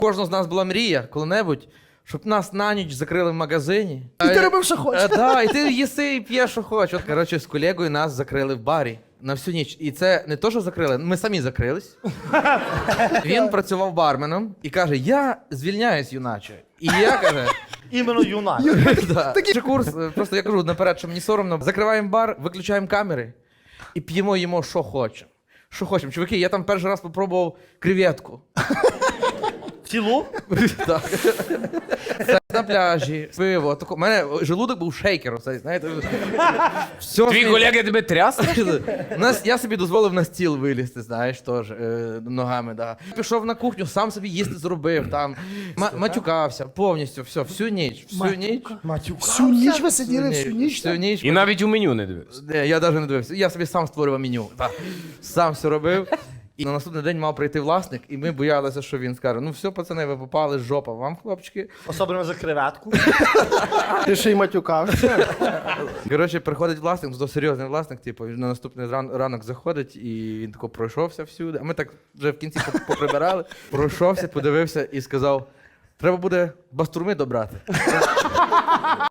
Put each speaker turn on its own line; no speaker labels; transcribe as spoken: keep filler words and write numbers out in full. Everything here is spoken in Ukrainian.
Кожного з нас була мрія коли-небудь, щоб нас на ніч закрили в магазині.
І ти робив, що хочеш.
Так, да, і ти їси і п'єш, що хочеш. От, коротше, з колегою нас закрили в барі на всю ніч. І це не то, що закрили, ми самі закрились. Він працював барменом і каже, я звільняюсь, юначе. І я, каже...
Іменно юнак.
Да. Такий курс, просто я кажу наперед, що мені соромно. Закриваємо бар, виключаємо камери і п'ємо їмо, що хочемо. Що хочемо. Чуваки, я там перший раз попробував креветку.
Цілу?
Так. Це на пляжі, пиво. У мене желудок був шейкер, оцей, знаєте. Все
Твій
смі-
колега тебе тряс?
У нас, я собі дозволив на стіл вилізти, знаєш, теж, е, ногами, да. Пішов на кухню, сам собі їсти зробив, там, ма- матюкався, повністю, все, всю ніч, всю ніч.
Матюка.
Всю ніч ви сиділи, всю ніч?
Всю ніч.
І навіть у меню не дивився.
Не, я навіть не дивився. Я собі сам створював меню. Так. Сам все робив. І на наступний день мав прийти власник, і ми боялися, що він скаже: ну все, пацани, ви попали, жопа вам, хлопчики.
Особливо за креветку.
Ти ще й матюкався.
Коротше, приходить власник, то серйозний власник, типу, він на наступний ран- ранок заходить, і він тако пройшовся всюди. А ми так вже в кінці поп- поприбирали. Пройшовся, подивився і сказав: треба буде бастурми добрати.